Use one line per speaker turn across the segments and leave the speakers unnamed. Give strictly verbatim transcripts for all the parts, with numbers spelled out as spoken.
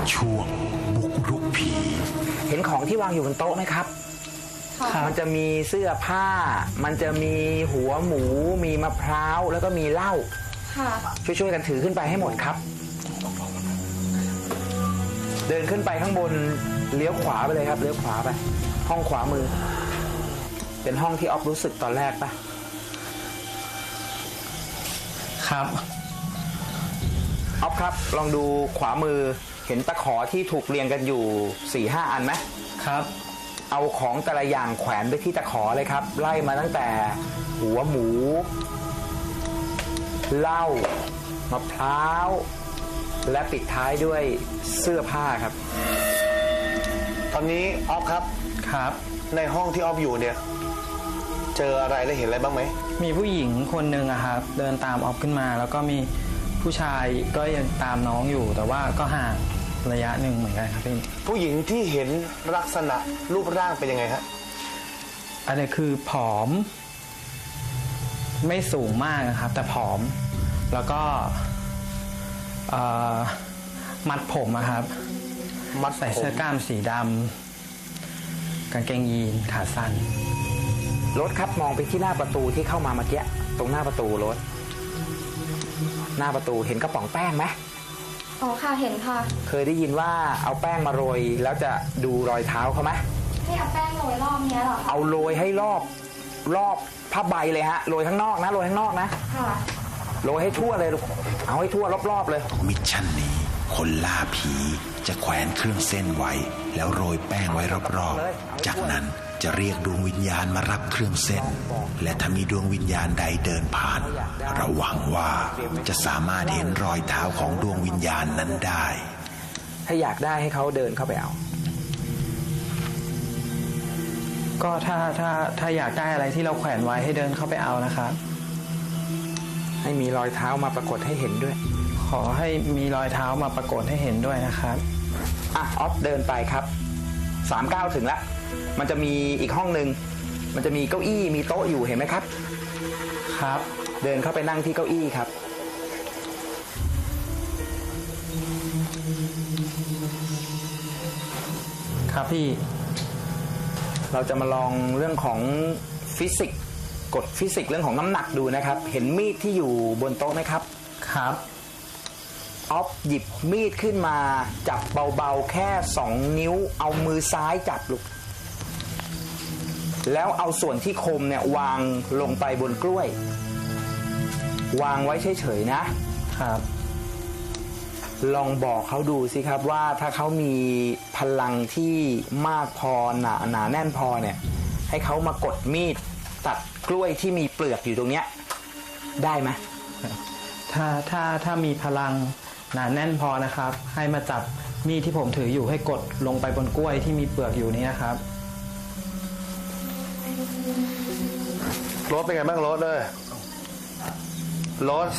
ช่วงบุกรุกผี
เห็นของที่วางอยู่บนโต๊ะไหมครับ มันจะมีเสื้อผ้า มันจะมีหัวหมู มีมะพร้าว แล้วก็มีเหล้าช่วยๆกันถือขึ้นไปให้หมดครับ เดินขึ้นไปข้างบนเลี้ยวขวาไปเลยครับเลี้ยวขวาไปห้องขวามือ เป็นห้องที่ออฟรู้สึกตอนแรกปะ
ครับ
ออฟครับลองดูขวามือเห็นตะขอที่ถูกเรียงกันอยู่ สี่ห้า อันไหม
ครับ
เอาของแต่ละอย่างแขวนไปที่ตะขอเลยครับไล่มาตั้งแต่หัวหมูเหล้ามะพร้าวและปิดท้ายด้วยเสื้อผ้าครับ
ตอนนี้ออฟครับ
ครับ
ในห้องที่ออฟอยู่เนี่ยเจออะไรและเห็นอะไรบ้างไหม
มีผู้หญิงคนหนึ่งอะครับเดินตามออฟขึ้นมาแล้วก็มีผู้ชายก็ยังตามน้องอยู่แต่ว่าก็ห่างระยะหนึ่งเหมือนกันครับพี่
ผู้หญิงที่เห็นลักษณะรูปร่างเป็นยังไงฮะ
อันนี้คือผอมไม่สูงมากนะครับแต่ผอมแล้วก็มัดผมอะครับ
มัด
ใส่เสื้อกล้ามสีดำกางเกงยีนขาสั้น
รถครับมองไปที่หน้าประตูที่เข้ามาเมื่อกี้ตรงหน้าประตูรถหน้าประตูเห็นกระป๋องแป้งไหม
อ๋อค่ะเห็นค่ะ
เคยได้ยินว่าเอาแป้งมาโรยแล้วจะดูรอยเท้าเขาไหม
ให้เอาแป้งโรยรอบเนี้ยเหรอ
เอาโรยให้รอบรอบผ้าใบเลยฮะโรยข้างนอกนะโรยข้างนอกนะ
ค่ะ
โรยให้ทั่วเลยลูกเอาให้ทั่วรอบๆเลย
มิชชั่นนี้คนล่าผีจะแขวนเครื่องเส้นไว้แล้วโรยแป้งไว้รอบๆจากนั้นจะเรียกดวงวิญญาณมารับเครื่องเส้นและถ้ามีดวงวิญญาณใดเดินผ่านระวังว่าจะสามารถเห็นรอยเท้าของดวงวิญญาณนั้นได้
ถ้าอยากได้ให้เขาเดินเข้าไปเอา
ก็ถ้าถ้าถ้าอยากได้อะไรที่เราแขวนไว้ให้เดินเข้าไปเอานะครับ
ให้มีรอยเท้ามาปรากฏให้เห็นด้วย
ขอให้มีรอยเท้ามาปรากฏให้เห็นด้วยนะครับ
อ่ะออฟเดินไปครับสามเก้าถึงแล้วมันจะมีอีกห้องหนึ่งมันจะมีเก้าอี้มีโต๊ะอยู่เห็นไหมครับ
ครับ
เดินเข้าไปนั่งที่เก้าอี้ครับ
ครับพี่
เราจะมาลองเรื่องของฟิสิกส์กฎฟิสิกส์เรื่องของน้ำหนักดูนะครับเห็นมีดที่อยู่บนโต๊ะไหมครับ
ครับ
ออฟหยิบมีดขึ้นมาจับเบาๆแค่สองนิ้วเอามือซ้ายจับลูกแล้วเอาส่วนที่คมเนี่ยวางลงไปบนกล้วยวางไว้เฉยๆนะครับลองบอกเขาดูสิครับว่าถ้าเขามีพลังที่มากพอหนาหนาแน่นพอเนี่ยให้เขามากดมีดตัดกล้วยที่มีเปลือกอยู่ตรงเนี้ยได้ไหม
ถ้าถ้าถ้ามีพลังหนาแน่นพอนะครับให้มาจับมีดที่ผมถืออยู่ให้กดลงไปบนกล้วยที่มีเปลือกอยู่นี้นะครับ
รถเป็นไงบ้างรถเลยรถ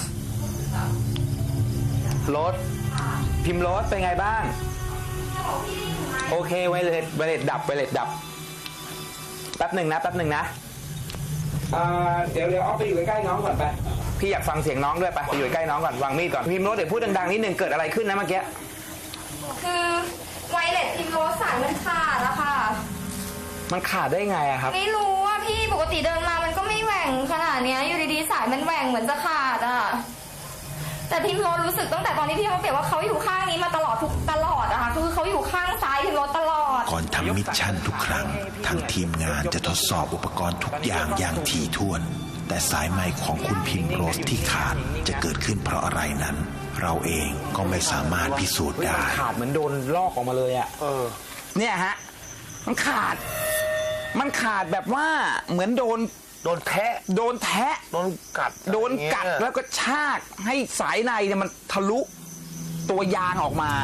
รถ
พิมพ์รถเป็นไงบ้างโอเคไวเลสไวเลสดับไวเลสดับแป๊บหนึ่งนะแป๊บหนึ่งนะเดี๋ยวเดี๋ยวเอาไปอยู่ใกล้น้องก่อนไปพี่อยากฟังเสียงน้องด้วยไปไปอยู่ใกล้น้องก่อนวางมีดก่อนพิมพ์รถเดี๋ยวพูดดังๆนิดนึงเกิดอะไรขึ้นนะเมื่อกี้
คือไวเลสพิมพ์รถสายมันขาดแล้วค่ะ
มันขาดได้ไงอะครับ
ไม่รู้ว่าพี่ปกติเดินมามันก็ไม่แหว่งขนาดนี้อยู่ดีๆสายมันแหว่งเหมือนจะขาดอะแต่พิมพ์รถรู้สึกตั้งแต่ตอนที่พี่เขาเปรียบว่าเขาอยู่ข้างนี้มาตลอดทุกตลอดอะค่ะคือเขาอยู่ข้างซ้ายพิมพ์รถตลอด
ก่อนทำมิชชั่นทุกครั้งทางทีมงานจะทดสอบอุปกรณ์ทุกอย่างอย่างถี่ถ้วนแต่สายไมค์ของคุณพิมพ์โรสที่ขาดจะเกิดขึ้นเพราะอะไรนั้นเราเองก็ไม่สามารถพิสูจน์ได้
ขาดเหมือนโดนลอกออกมาเลยอะเออเนี่ยฮะมันขาดมันขาดแบบว่าเหมือนโดน
โดนแทะ
โดนแทะ
โดนกัด
โดนกัดแล้วก็ชากให้สายในเนี่ยมันทะลุตัวยางออกมา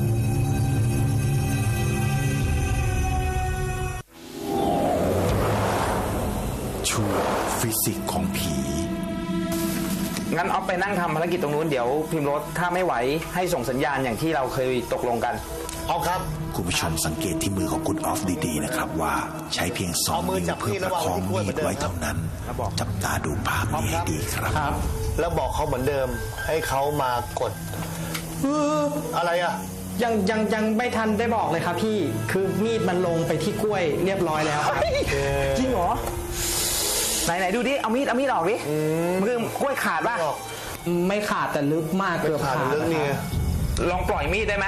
ช่วงฟิสิกส์ของผี
งั้นออฟไปนั่งทำภารกิจตรงนู้นเดี๋ยวพิมพ์รถถ้าไม่ไหวให้ส่งสัญญาณอย่างที่เราเคยตกลงกัน
เอาครับ
คุณผู้ชมสังเกตที่มือของคุณออฟดีๆนะครับว่าใช้เพียงสองนิ้วเพื่อประคองมีดไว้เท่านั้นจับตาดูภาพนี้ให้ดีครับ
แล้วบอกเขาเหมือนเดิมให้เขามากดอะไรอ่ะ
ยังยังยังไม่ทันได้บอกเลยครับพี่คือมีดมันลงไปที่กล้วยเรียบร้อยแล้วครับ
จริงเหรอไหนไหนดูดิเอามีดเอามีดออกดิมือกล้วยขาดป่ะ
ไม่ขาดแต่ลึกมากเกือบ
ขาด
ขาด
เรื่องนี้
ลองปล่อยมีดได้ไหม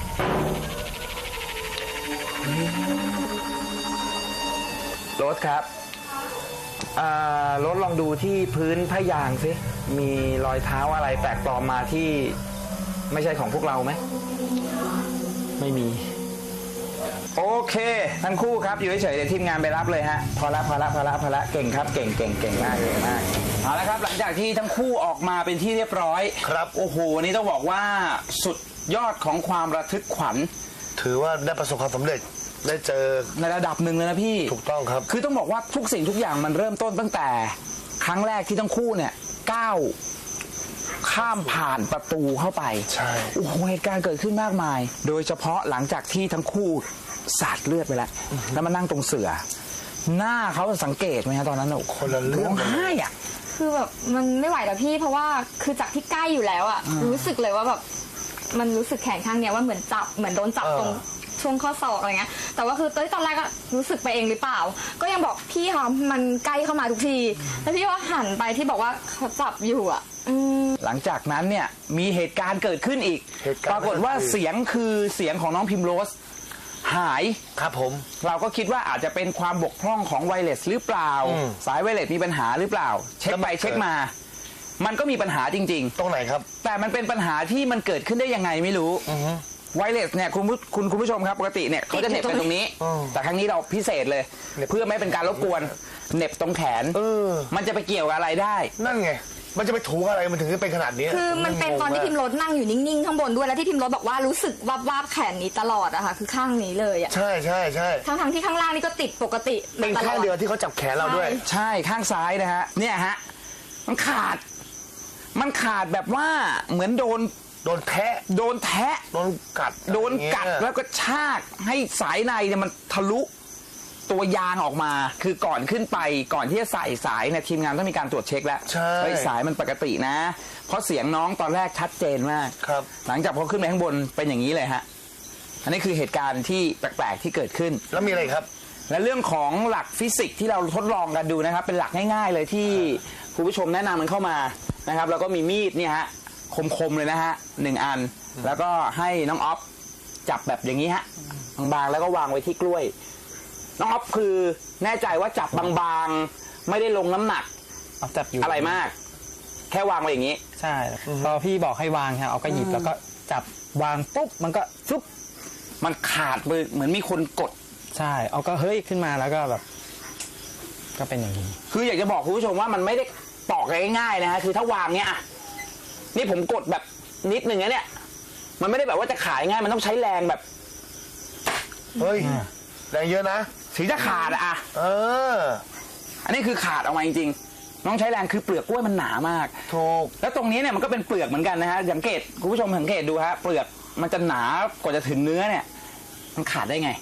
โรสครับอ่าโรสลองดูที่พื้นผ้ายางสิมีรอยเท้าอะไรแปลกปลอมมาที่ไม่ใช่ของพวกเราไหม
ไม่มี
โอเคทั้งคู่ครับอยู่เฉยๆเดี๋ยวทีมงานไปรับเลยฮะพอละพอละพอละพอละเก่งครับเก่งเก่งเก่งมากเก่งมากเอาละครับหลังจากที่ทั้งคู่ออกมาเป็นที่เรียบร้อย
ครับ
โอ้โหวันนี้ต้องบอกว่าสุดยอดของความระทึกขวัญ
ถือว่าได้ประสบความสำเร็จได้เจอ
ในระดับหนึ่งเลยนะพี่
ถูกต้องครับ
คือต้องบอกว่าทุกสิ่งทุกอย่างมันเริ่มต้นตั้งแต่ครั้งแรกที่ทั้งคู่เนี่ยก้าวข้ามผ่านประตูเข้าไป
ใช่
โอ้โหเหตุการณ์เกิดขึ้นมากมาย โดยเฉพาะหลังจากที่ทั้งคู่สาดเลือดไปแล้ว แล้วมานั่งตรงเสือ หน้าเขาสังเกตไหมฮะตอนนั้นน่ะ
คนละเรื่อง
ร้องไห้อะ
คือแบบมันไม่ไหวแล้วพี่เพราะว่าคือจากที่ใกล้อยู่แล้วอะรู้สึกเลยว่าแบบมันรู้สึกแขนข้างเนี้ยว่าเหมือนจับเหมือนโดนจับตรงช่วงข้อศอกอะไรเงี้ยแต่ว่าคือตอนแรกก็รู้สึกไปเองหรือเปล่า ก็ยังบอกพี่คะมันใกล้เข้ามาทุกทีแล้วพี่ว่าหันไปที่บอกว่าเขาจับอยู่อะอืม
หลังจากนั้นเนี่ยมีเหตุการณ์เกิดขึ้นอีก
เหตุการณ์
ปรากฏว่าเสียงคือเสียงของน้องพิมโรสหาย
ครับผม
เราก็คิดว่าอาจจะเป็นความบกพร่องของไวเลสหรือเปล่า
อืม
สายไวเลสมีปัญหาหรือเปล่า เช็คไป
แล้วมัน
เช็คมา มันก็มีปัญหาจริง
ตรงไหนครับ
ๆ แต่มันเป็นปัญหาที่มันเกิดขึ้นได้ยังไงไม่รู้ไวเลสเนี่ยคุณผู้คุณคุณผู้ชมครับปกติเนี่ยเขาจะเหน็บกันตรงนี้
อืม
แต่ครั้งนี้เราพิเศษเลย
เหน็บ
เพื่อไม่เป็นการรบกวนเหน็บตรงแขน
เออ
มันจะไปเกี่ยวกับอะไรได้
นั่นไง มันจะไปถูอะไรมันถึงจะเป็นขนาดนี้
คือมันเป็นตอนที่พิมพ์รถนั่งอยู่นิ่งๆข้างบนด้วยแล้วที่พิมพ์รถบอกว่ารู้สึกวาบวาบๆแขนนี้ตลอดอะค่ะคือข้างนี้เลยอะ
ใช่ใช่ใช่
ทั้งทั้งๆที่ข้างล่างนี่ก็ติดปกติ
เป็นข้างเดียวที่เขาจับแขนเราด้วย
ใช่ข้างซ้ายนะฮะเนี่ยฮะมันขาด มันขาดแบบว่าเหมือนโดน
โดนแทะ
โดนแทะ
โดนกัด
โดนกัด
อะไรอย่างเงี้ย
แล้วก็ชากให้สายในเนี่ยมันทะลุตัวยางออกมา คือก่อนขึ้นไปก่อนที่จะใส่สายเนี่ยทีมงานต้องมีการตรวจเช็คแล้ว
ใช่
เฮ้ยสายมันปกตินะ เพราะเสียงน้องตอนแรกชัดเจนมาก
ครับ
หลังจากพอขึ้นไปข้างบนเป็นอย่างนี้เลยฮะอันนี้คือเหตุการณ์ที่แปลกๆที่เกิดขึ้น
แล้วมีอะไรครับ
และเรื่องของหลักฟิสิกส์ที่เราทดลองกันดูนะครับ เป็นหลักง่ายๆเลยที่คุณผู้ชมแนะนำมันเข้ามานะครับ แล้วก็มีมีดเนี่ยฮะคมๆเลยนะฮะหนึ่งอัน แล้วก็ให้น้องออฟจับแบบอย่างนี้ฮะบางๆแล้วก็วางไว้ที่กล้วย น้องออฟคือแน่ใจว่าจับบางๆไม่ได้ลงน้ำหนัก
เอาจับอยู่
อะไรมาก แค่วางไว้อย่างนี้
ใช่พอพี่บอกให้วางฮะเอาก็หยิบแล้วก็จับวางปุ๊บมันก็ฟุ๊บ
มันขาดมือเหมือนมีคนกด
ใช่เอาก็เฮ้ยขึ้นมาแล้วก็แบบ ก็เป็นอย่างนี้
คืออยากจะบอกคุณผู้ชมว่ามันไม่ได้ปอกง่ายๆนะฮะคือถ้าวางเนี้ยอ่ะนี่ผมกดแบบนิดนึงนะเนี่ยมันไม่ได้แบบว่าจะขายง่ายมันต้องใช้แรงแบบ
เฮ้ยแรงเยอะนะ
ถึงจะขาดอะอ่ะ
เออ
อันนี้คือขาดออกมาจริงๆน้องใช้แรงคือเปลือกกล้วยมันหนามาก
ถูก
แล้วตรงนี้เนี่ยมันก็เป็นเปลือกเหมือนกันนะฮะสังเกตคุณผู้ชมสังเกตดูฮะเปลือกมันจะหนากว่าจะถึงเนื้อเนี่ย มันขาดได้ไง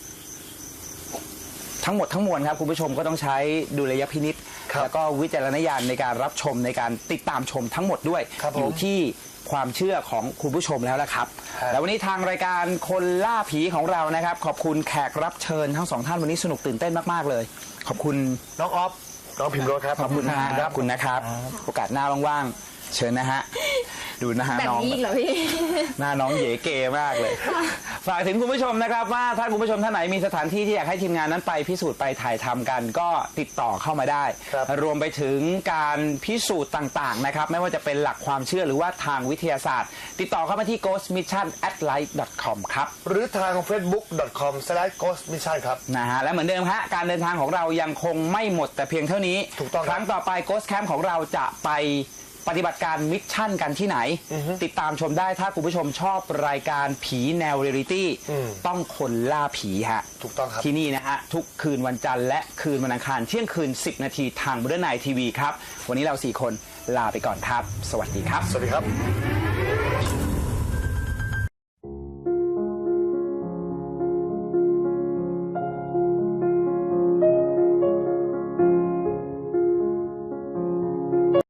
ทั้งหมดทั้งมวลครับคุณผู้ชมก็ต้องใช้ดุลยพินิจ
ครับ
แล้วก็วิจารณญาณในการรับชมในการติดตามชมทั้งหมดด้วย
ครับผม
อยู่ที่ความเชื่อของคุณผู้ชมแล้วละครับ
ครับ
แล้ววันนี้ทางรายการคนล่าผีของเรานะครับ ขอบคุณแขกรับเชิญทั้งสองท่านวันนี้สนุกตื่นเต้นมากๆเลย ขอบคุณ
น้องออฟ น้องพิมพ์รถครับ
ขอบคุณนะฮะขอบคุณนะครับ โอกาสหน้าว่างๆเชิญนะฮะดูนะฮะ
แบบ
น้อง
นี้อีกเหรอพี่
หน้าน้องเก๋เก๋มากเลย ฝากถึงคุณผู้ชมนะครับว่าถ้าคุณผู้ชมท่านไหนมีสถานที่ที่อยากให้ทีมงานนั้นไปพิสูจน์ไปถ่ายทำกัน ก็ติดต่อเข้ามาได้
ครับ
รวมไปถึงการพิสูจน์ต่างๆนะครับไม่ว่าจะเป็นหลักความเชื่อหรือว่าทางวิทยาศาสตร์ ติดต่อเข้ามาที่ ghost mission at light dot com ครับ
หรือทาง เฟซบุ๊ก ดอท คอม สแลช โกสต์ มิชชั่น ครับ
นะฮะและเหมือนเดิมฮะการเดินทางของเรายังคงไม่หมดแต่เพียงเท่านี้
ถูกต้องครับ
ครั้งต่อไป Ghost Camp ของเราจะไปปฏิบัติการมิชชั่นกันที่ไหน ติดตามชมได้ถ้าคุณผู้ชมชอบรายการผีแนวเรียลิตี้
อืม
ต้องคนล่าผีฮะ
ถูกต้องครับ
ที่นี่นะฮะ ทุกคืนวันจันทร์และคืนวันอังคารเที่ยงคืน สิบ นาทีทาง Modern Night ที วีครับ วันนี้เราสี่คนลาไปก่อนครับ สวัสดีครับ
สวัสดีครับ